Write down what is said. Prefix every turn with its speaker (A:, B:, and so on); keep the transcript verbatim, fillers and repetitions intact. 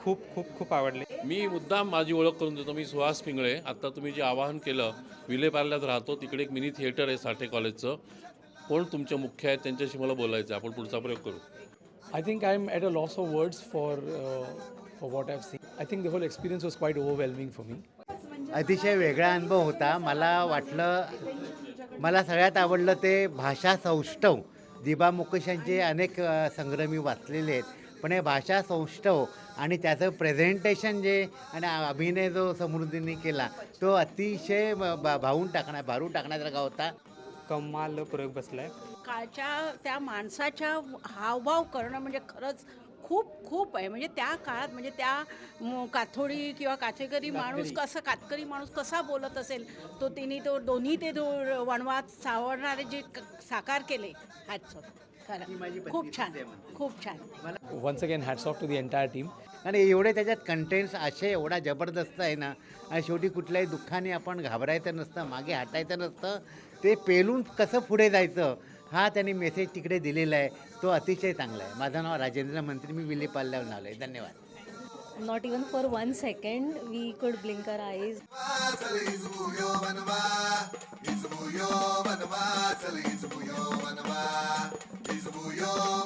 A: खूप खूप खूप आवडले.
B: मी मुद्दाम माझी ओळख करून देतो. मी सुहास पिंगळे. आत्ता तुम्ही जे आवाहन केलं, विलेपार्ल्यात राहतो, तिकडे एक मिनी थिएटर आहे साठे कॉलेजचं. कोण तुमचे मुख्य आहेत त्यांच्याशी मला बोलायचं आहे. आपण पुढचा प्रयोग करू.
C: I think I'm at a loss of words for uh, for what I've seen. I think the whole experience was quite overwhelming for me.
D: अतिशय वेगळा अनुभव होता. मला वाटलं मला सगळ्यात आवडलं ते भाषा सौष्ठव. दिबा मुकेशांचे अनेक अ, संग्रह मी वाचलेले आहेत, पण हे भाषा सौष्ठव आणि त्याचं प्रेझेंटेशन जे आणि अभिनय जो समृद्धीने केला तो अतिशय भा भावून टाकण्या भारून टाकण्यासारखा होता.
A: कमाल प्रयोग बसलाय.
E: काळच्या त्या माणसाच्या हावभाव करणं म्हणजे खरंच खूप खूप आहे. म्हणजे त्या काळात म्हणजे त्या म, काथोडी किंवा काथेकरी माणूस कसं कातकरी माणूस कसा बोलत असेल तो तिने तो दोन्ही ते दो वणवात सावरणारे जे क- साकार केले हॅट्स ऑफ. खरं खूप छान खूप छान.
C: Once again, hats off to the entire team.
D: आणि एवढे त्याच्यात कंटेंट्स असे एवढा जबरदस्त आहे ना, आणि शेवटी कुठल्याही दुःखाने आपण घाबरायचं नसतं, मागे हटायचं नसतं, ते पेलून कसं पुढे जायचं हा त्यांनी मेसेज तिकडे दिलेला आहे. तो अतिशय चांगला आहे. माझं नाव राजेंद्र मंत्री, मी विलेपार्ल्याहून आलो आहे. धन्यवाद.
F: Not even for one second we could blink our eyes.
G: चल इजबुयो बनवा इजबुयो बनवा चल इजबुयो बनवा इजबुयो